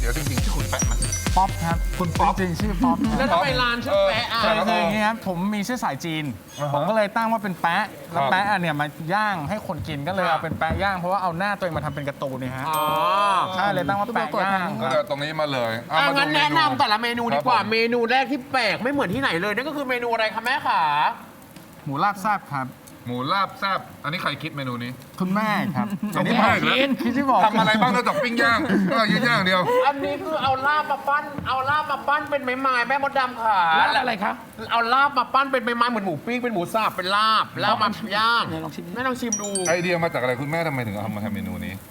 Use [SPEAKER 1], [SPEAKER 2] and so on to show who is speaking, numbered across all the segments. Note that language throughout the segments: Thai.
[SPEAKER 1] ตี๋ยวจริงๆชื่อคุณแปะไหม
[SPEAKER 2] ป๊อปครับ
[SPEAKER 1] คุณป๊อป
[SPEAKER 2] จริงๆชื่อป๊อป
[SPEAKER 3] แล้วทำไมร้านชื่อแปะอ่ะ
[SPEAKER 2] คืออย่างนี้ครับผมมีเชื้อสายจีน ผมก็เลยตั้งว่าเป็นแปะแล้วแปะเนี่ยมาย่างให้คนกินก็เลยเอาเป็นแปะย่างเพราะว่าเอาหน้าตัวเองมาทำเป็นการ์ตูนเนี่ยฮะ
[SPEAKER 3] อ๋อ
[SPEAKER 2] ใช่เลยตั้งว่าแปะย่าง
[SPEAKER 1] ก็เลยตรงนี้มาเลยเอามาดู
[SPEAKER 3] งั้นแนะนำแต่ละเมนูดีกว่า
[SPEAKER 1] ครับผม
[SPEAKER 3] เมนูแรกที่แปลกไม่เหมือนที่ไหนเลยนั่นก็คือเมนูอะไรคะแม่ขา
[SPEAKER 2] หมูลาบแซ่บครับ
[SPEAKER 1] หมูลาบแซ่บอันนี้ใครคิดเมนูนี้
[SPEAKER 2] คุณแม่ครับ
[SPEAKER 1] คุณแม่เหรอ
[SPEAKER 2] ที่บอก
[SPEAKER 1] ทำอะไรบ้างนอกจากปิ้งย่างก็ย่างเดียว
[SPEAKER 3] อันนี้คือเอาลาบมาปั้นเป็นไม้ๆแม่มดดำค่ะ
[SPEAKER 4] ร้านอะไรครับ
[SPEAKER 3] เอาลาบมาปั้นเป็นไม้ๆเหมือนหมูปิ้งเป็นหมูสับเป็นลาบแล้วมาย่าง
[SPEAKER 4] เนี่ยลองชิมดิ
[SPEAKER 3] แม่ลองชิมดู
[SPEAKER 1] ไอเดียมาจากอะไรคุณแม่ทำไมถึงเอามาทำเมนูนี้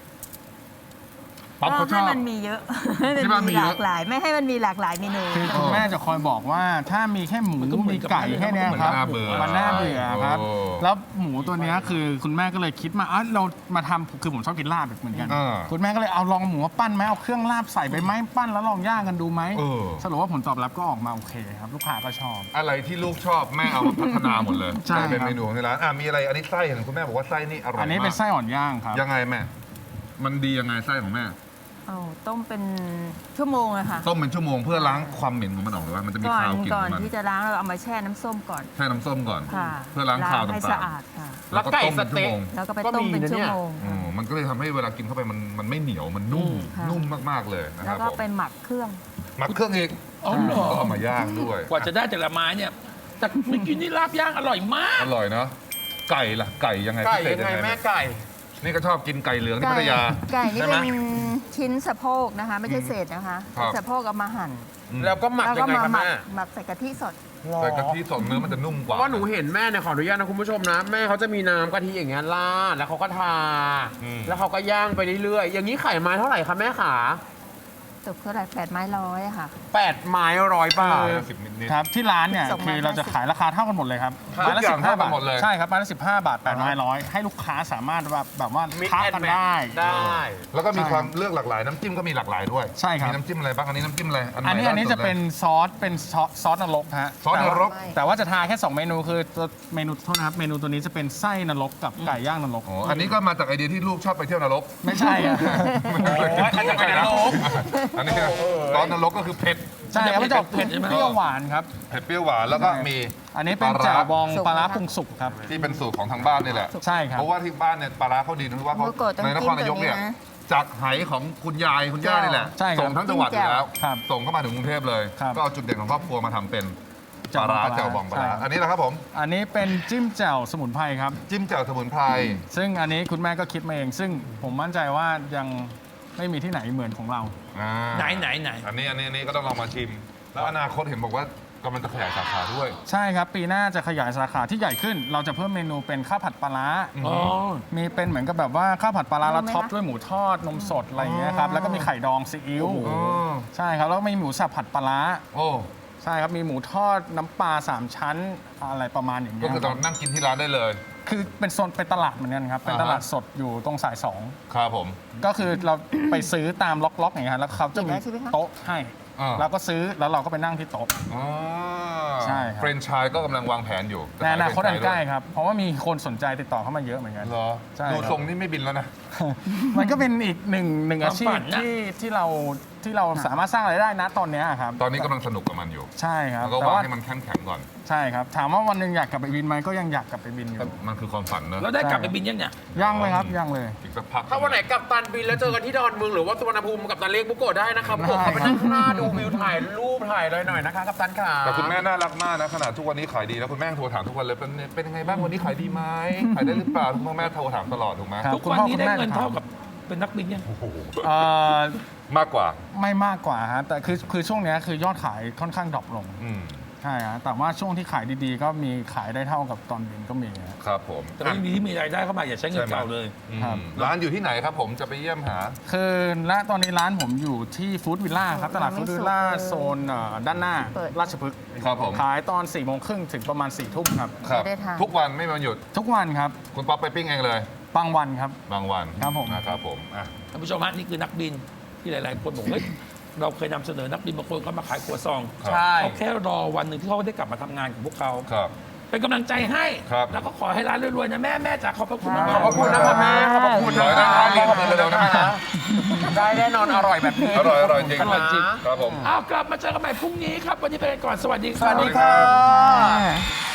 [SPEAKER 1] ป๊อป
[SPEAKER 5] ก็
[SPEAKER 1] เขาช
[SPEAKER 5] ให้
[SPEAKER 1] อบ
[SPEAKER 5] มันมีเยอะให้
[SPEAKER 1] ที่บ้านมี
[SPEAKER 5] มี
[SPEAKER 1] เย
[SPEAKER 5] ห
[SPEAKER 1] อะ
[SPEAKER 5] ลากหลาย ไม่ให้มันมีหลากหลายเมนู
[SPEAKER 2] คือคุณแม่จะคอยบอกว่าถ้ามีแค่หมู
[SPEAKER 4] มันก็เหมือน
[SPEAKER 2] มีไก่แค่เนี้ยครับ
[SPEAKER 1] มันน่าเบื่อ
[SPEAKER 2] มันน่าเบื่อครับ
[SPEAKER 1] โอ้
[SPEAKER 2] แล้วหมูตัวเนี้ยคือคุณแม่ก็เลยคิดมาเรามาทำคือผมชอบกินลาบเหมือนกัน
[SPEAKER 1] อ่า
[SPEAKER 2] คุณแม่ก็เลยเอาลองหมูมาปั้นไหมเอาเครื่องลาบใส่ไปไหมปั้นแล้วลองย่างกันดูไหม
[SPEAKER 1] เออ
[SPEAKER 2] สรุปว่าผลตอบรับก็ออกมาโอเคครับลูกค้าก็ชอบ
[SPEAKER 1] อะไรที่ลูกชอบแม่เอามาพัฒนาหมดเลย
[SPEAKER 2] ใช่
[SPEAKER 1] กลายเป็น
[SPEAKER 2] ครับ
[SPEAKER 1] เมนูของที่ร้านมีอะไรอันนี้ไส้เห็นคุณแม่บอกว่าไส้นี่อร่อยมาก
[SPEAKER 2] อันนี้เป็นไส้อ่อนย่างครับ
[SPEAKER 1] ยังไงแม่มันดียังไงไส้ของแม่
[SPEAKER 5] เอาต้มเป็นชั่วโมงอะค่ะ
[SPEAKER 1] ต้มเป็นชั่วโมงเพื่อล้างความเหม็นของมันออกหรือว่ามันจะมี
[SPEAKER 5] ก่อน
[SPEAKER 1] คาวกลิ่น
[SPEAKER 5] ก่
[SPEAKER 1] ข
[SPEAKER 5] อ
[SPEAKER 1] อน งมัน
[SPEAKER 5] ที่จะล้างเราเอามาแช่น้ำส้มก่อน
[SPEAKER 1] แช่น้ำส้มก่อน
[SPEAKER 5] ค่ะ
[SPEAKER 1] เพื่อล้างคาว
[SPEAKER 5] ให้
[SPEAKER 1] ต่างๆ
[SPEAKER 5] สะอาดค่ะ
[SPEAKER 3] แล้วไก่
[SPEAKER 1] ต้ม
[SPEAKER 3] ส
[SPEAKER 1] เป็นชั่ว
[SPEAKER 3] เต๊ะ
[SPEAKER 1] โมง
[SPEAKER 5] แล้วก็ไป
[SPEAKER 3] ก็
[SPEAKER 5] ต้ม
[SPEAKER 3] มี
[SPEAKER 5] เป็น
[SPEAKER 3] นะ
[SPEAKER 5] ชั่
[SPEAKER 3] เนี่
[SPEAKER 5] วย โมง
[SPEAKER 1] มันก็เลยทำให้เวลากินเข้าไปมันไม่เหนียวมันนุ่ม
[SPEAKER 5] ค่ะ
[SPEAKER 1] นุ่มมากๆเลยนะค
[SPEAKER 5] แล้
[SPEAKER 1] รั
[SPEAKER 5] ว
[SPEAKER 1] บ
[SPEAKER 5] ก็
[SPEAKER 1] ผม
[SPEAKER 5] ไปหมักเครื่อง
[SPEAKER 1] หมักเครื่องอีก
[SPEAKER 4] อ๋อเหรอ
[SPEAKER 1] ก็เอามาย่างด้วย
[SPEAKER 4] กว่าจะได้แต่ละไม้เนี่ย แต่เมื่อกี้นี่ลาบย่างอร่อยมาก
[SPEAKER 1] อร่อยเนาะไก่ล่ะไก่ยังไง
[SPEAKER 3] ไก่
[SPEAKER 1] พิเศษ
[SPEAKER 3] ยังไง
[SPEAKER 1] แม่
[SPEAKER 3] แม่ไก่
[SPEAKER 1] นี่ก็ชอบกินไก่เหลืองที่พัทยา
[SPEAKER 5] ไก่นี่
[SPEAKER 1] ใช่ไหม
[SPEAKER 5] เป็นชิ้นสะโพกนะคะ ไม่ใช่เศษนะคะ
[SPEAKER 1] ครับ
[SPEAKER 5] สะโพกเอามาหั่น
[SPEAKER 3] แล้วก็หมัก
[SPEAKER 5] แล้ว
[SPEAKER 3] ยั
[SPEAKER 5] ก็
[SPEAKER 3] งไง
[SPEAKER 5] มา
[SPEAKER 3] คะ
[SPEAKER 5] หมัก
[SPEAKER 3] แม่
[SPEAKER 5] หมักใส่กะทิสด
[SPEAKER 1] ใส่กะทิสดเนื้อมันจะนุ่มก
[SPEAKER 3] เพ
[SPEAKER 1] ว่า
[SPEAKER 3] ราะว่าหนูเห็นแม่เนี่ยขออนุญาตนะคุณผู้ชมนะ แม่เขาจะมีน้ำกะทิอย่างเงี้ยราดแล้วเขาก็ทา แล้วเขาก็ย่างไปเรื่อยๆอย่างนี้ไข่ไม้เท่าไหร่คะแม่ขา
[SPEAKER 5] ตกเท่าไหร่800อะค่ะ
[SPEAKER 3] 8 ไม้100 บาท
[SPEAKER 1] 10นิด
[SPEAKER 2] ครับที่ร้านเนี่ย
[SPEAKER 5] สองไม้
[SPEAKER 2] คือเราจะขายราคาเท่ากันหมดเลยครับ
[SPEAKER 3] ครับ
[SPEAKER 2] ไม้ละ
[SPEAKER 1] ทุกอย่าง
[SPEAKER 2] 15
[SPEAKER 1] เท่ากัน
[SPEAKER 2] บาท
[SPEAKER 1] หมดเลย
[SPEAKER 2] ใช่ครับไม้ละ15 บาท8ไม้ร้อยให้ลูกค้าสามารถแบบว่า
[SPEAKER 3] Mix
[SPEAKER 2] ค้า
[SPEAKER 3] and
[SPEAKER 2] กัน
[SPEAKER 3] match
[SPEAKER 2] ได้
[SPEAKER 3] ได้
[SPEAKER 1] แล้วก็มี
[SPEAKER 2] ใช่
[SPEAKER 1] ความเลือกหลากหลายน้ำจิ้มก็มีหลากหลายด้วย
[SPEAKER 2] ใช่ครับ
[SPEAKER 1] มีน้ำจิ้มอะไรบ้างอันนี้น้ำจิ้มอะไร
[SPEAKER 2] อันนี้
[SPEAKER 1] ใหม่ล่าสุด
[SPEAKER 2] จะเป็นซอสนรกฮะ
[SPEAKER 1] ซอสนรก
[SPEAKER 2] แต่ว่าจะทาแค่ 2 เมนูคือตัวเมนูโทษนะครับเมนูตัวนี้จะเป็นไส้นรกกับไก่ย่างนรก
[SPEAKER 1] อ๋ออันนี้ก็มาจากไอเดียที่ลูกชอบไปเที่ยวนรก
[SPEAKER 2] ไม่ใช่อะ
[SPEAKER 3] อันนี้เป็นนรก
[SPEAKER 1] อันนี้ซอสนรกก็คือเผ็ด
[SPEAKER 2] ใช่ครับมันจะออกเผ็ด
[SPEAKER 4] ใช่ไหม
[SPEAKER 2] เปรี้ยวหวานครับ
[SPEAKER 1] เผ็ดเปรี้ยวหวานแล้วก็มี
[SPEAKER 2] อันนี้เป็น
[SPEAKER 1] ปลาร้า
[SPEAKER 2] แจ่วบอง
[SPEAKER 5] สุก
[SPEAKER 2] ปลาร้า
[SPEAKER 5] นะคะ
[SPEAKER 2] ปรุงสุกครับ
[SPEAKER 1] ที่เป็นสูตรของทางบ้านนี่แหละ
[SPEAKER 2] ใช่ครับ
[SPEAKER 1] เพราะว่าที่บ้านเนี่ยปลาร้าเขาดีนะว่าเขา
[SPEAKER 5] เมื่อก่อนต้อง
[SPEAKER 1] ในนครนายกเนี่ย
[SPEAKER 5] จิ้มตัวนี้นะ
[SPEAKER 1] จากไหของคุณยายคุณย่านี่แหละ
[SPEAKER 2] ใช่ครับ
[SPEAKER 1] ส่งทั้งจังหวัดอยู่แล้ว
[SPEAKER 2] ครับ
[SPEAKER 1] ส่งเข้ามาถึงกรุงเทพเลย
[SPEAKER 2] ครับ
[SPEAKER 1] ก็เอาจุดเด่นของครอบครัวมาทำเป็นปลาร้า
[SPEAKER 2] แจ่
[SPEAKER 1] แจ่ว
[SPEAKER 2] ว
[SPEAKER 1] บบ อ
[SPEAKER 2] อง ง
[SPEAKER 1] ป
[SPEAKER 2] ป
[SPEAKER 1] ลา
[SPEAKER 2] ลา
[SPEAKER 1] ร้า
[SPEAKER 2] ร้า
[SPEAKER 1] อันนี้นะครับผม
[SPEAKER 2] อันนี้เป็นจิ้มแจ่วสมุนไพรครับ
[SPEAKER 1] จิ้มแจ่วสมุนไพร
[SPEAKER 2] ซึ่งอันนี้คุณแม่ก็คิดมาเอง ซึ่งผมมั่นใจว่ายังไม่มีที่ไหนเหมือนของเรา
[SPEAKER 1] อ่า
[SPEAKER 4] ไหน
[SPEAKER 1] อันนี้ก็ต้องลองมาชิม แล้วอนาคตเห็นบอกว่ากำลังจะขยายสาขาด้วย
[SPEAKER 2] ใช่ครับ ปีหน้าจะขยายสาขาที่ใหญ่ขึ้น เราจะเพิ่มเมนูเป็นข้าวผัดปลาร้า
[SPEAKER 4] อ๋อ
[SPEAKER 2] มีเป็นเหมือนกับแบบว่าข้าวผัดปลาร้าแล้ว
[SPEAKER 5] รู้ไหม
[SPEAKER 2] ท็อป
[SPEAKER 5] คะ
[SPEAKER 2] ด้วยหมูทอดนมสดอะไรอย่างเงี้ยครับแล้วก็มีไข่ดองซีอิ๊ว
[SPEAKER 1] อ๋อ
[SPEAKER 2] ใช่ครับแล้วก็มีหมูสับผัดปลาร้า
[SPEAKER 1] โอ้
[SPEAKER 2] ใช่ครับมีหมูทอดน้ำปลา3 ชั้นอะไรประมาณอย่างเงี้
[SPEAKER 1] ก็
[SPEAKER 2] ย
[SPEAKER 1] คือตอนนั่งกินที่ร้านได้เลย
[SPEAKER 2] คือเป็นโซนเป็นตลาดเหมือนกันครับเป็นตลาดสดอยู่ตรงสายสอง
[SPEAKER 1] ครับผม
[SPEAKER 2] ก็คือเราไปซื้อตามล็อกๆอย่างเงี้ยครับแล้วเขาจะมี
[SPEAKER 5] เห็นแล้วใช่ไหมคะ
[SPEAKER 2] โต๊ะให้
[SPEAKER 1] อ่า
[SPEAKER 2] เราก็ซื้อแล้วเราก็ไปนั่งที่โต๊ะ
[SPEAKER 1] อ๋อ
[SPEAKER 2] ใช่ครับ
[SPEAKER 1] เฟรนไชส์ก็กำลังวางแผนอยู่
[SPEAKER 2] ในอนาคตอันใกล้
[SPEAKER 1] จะขาย
[SPEAKER 2] ครับ เพราะว่ามีคนสนใจติดต่อเข้ามาเยอะเหมือนกัน
[SPEAKER 1] เหรอ
[SPEAKER 2] ใช่
[SPEAKER 1] ดู
[SPEAKER 2] ครับ
[SPEAKER 1] ทรงนี่ไม่บินแล้วนะ
[SPEAKER 2] มันก็เป็นอีกหนึ่งอาชี
[SPEAKER 4] ความฝั
[SPEAKER 2] พ
[SPEAKER 4] นนะ
[SPEAKER 2] ที่เราสามารถสร้างรายได้นะตอนเนี้ยครับ
[SPEAKER 1] ตอนนี้กำลังสนุกกับมันอยู่
[SPEAKER 2] ใช่ครับ
[SPEAKER 1] แล้วก็
[SPEAKER 2] แต่
[SPEAKER 1] วาง
[SPEAKER 2] ว่า
[SPEAKER 1] ให้มันเข้มแข็งก่อน
[SPEAKER 2] ใช่ครับถามว่าวันหนึ่งอยากกลับไปบินไหมก็ยังอยากกลับไปบินอยู่
[SPEAKER 1] มันคือความฝันเนอะ
[SPEAKER 4] แล้วได้กลับไปบินยังเนี่ย
[SPEAKER 2] ยังเลยครับยังเลย
[SPEAKER 1] อีกสักพัก
[SPEAKER 3] ถ้าวันไหนกับตันบินแล้วเจอกันที่ดอนเมืองหรือว่าสุวรรณภูมิกับตันเรียกบุโกะได้นะครับบุโกะเขาไปนั่งข้างหน้าดูวิวถ่ายรูปถ่ายอะไรหน่อยนะคะกับตันขา
[SPEAKER 1] แต่คุณแม่น่ารักมากนะขนาดทุกวันนี้ขายดีแล้วคุณแม่โทรถามทุกวันเลยเป็นยังไงบ้างวันนี้ขายดีไหมขายได้หรือเปล่าคุณพ่อแม่โทรถามตลอดถูกไหม
[SPEAKER 2] ครับ
[SPEAKER 4] ทุกวันนี้ได้เงินเท่ากับเป็นนักบินยัง
[SPEAKER 1] โอ้โห
[SPEAKER 2] เอ่อ
[SPEAKER 1] มากกว่า
[SPEAKER 2] ไม่มากกว่าฮะแต่คือช่วงเนี้ยคือยอดขายค่อนข้างดรอปลง
[SPEAKER 1] อืม
[SPEAKER 2] ใช่ฮะแต่ว่าช่วงที่ขายดีๆ ก็มีขายได้เท่ากับตอนบินก็มีฮะ
[SPEAKER 1] ครับผม
[SPEAKER 4] แต่ว่ายังดีที่มีรายได้เข้ามาอย่าใช้เงินเก่าเลย
[SPEAKER 2] ครับ
[SPEAKER 1] ร้านอยู่ที่ไหนครับผมจะไปเยี่ยมหา
[SPEAKER 2] คือณตอนนี้ร้านผมอยู่ที่ฟู้ดวิลล่าครับตลาดฟู้ดวิลล่าโซนด้านหน้า
[SPEAKER 5] เปิด
[SPEAKER 2] ราชพฤกษ์
[SPEAKER 1] ครับผม
[SPEAKER 2] ขายตอน4 โมงครึ่งถึงประมาณ4 ทุ่มครับ
[SPEAKER 1] ครับ
[SPEAKER 5] ไม่ได้ทาน
[SPEAKER 1] ทุกวันไม่มีวันหยุด
[SPEAKER 2] ทุกวันครับ
[SPEAKER 1] คุณป๊อปไปปิ้งเองเลย
[SPEAKER 2] บางวันครับ
[SPEAKER 1] บางวัน
[SPEAKER 2] ครับผม
[SPEAKER 1] นะครับผมอ่ะ
[SPEAKER 4] ท่านผู้ชมฮะนี่คือนักบินที่หลาย ๆ คนบอกเฮ้ยเราเคยนำเสนอนักบินบางคนเขามาขายครัวซอง
[SPEAKER 3] ใช่
[SPEAKER 4] เขาแค่รอวันหนึ่งที่เขาได้กลับมาทำงานของพวกเขา
[SPEAKER 1] ครับ
[SPEAKER 4] เป็นกำลังใจให้
[SPEAKER 1] ครับ
[SPEAKER 4] แล้วก็ขอให้ร้านรวย ๆ นะแม่จ๋าขอบพระคุณมาก
[SPEAKER 3] ขอบพระคุณนะครับแม่ขอบพระคุณ
[SPEAKER 1] ขอให้ได้ร้านนี้ขอบคุณเร็วๆนะแม่นะ
[SPEAKER 3] ได้แน่นอนอร่อยแบบนี้
[SPEAKER 1] อร่อยจริง
[SPEAKER 4] อร่อยจริง
[SPEAKER 1] ครับผม
[SPEAKER 4] อ้าวกลับมาเจอกันใหม่พรุ่งนี้ครับ วันนี้ไปกันก่อนสวัสดีค
[SPEAKER 3] ส
[SPEAKER 4] รับ
[SPEAKER 3] วัสดีค่ะ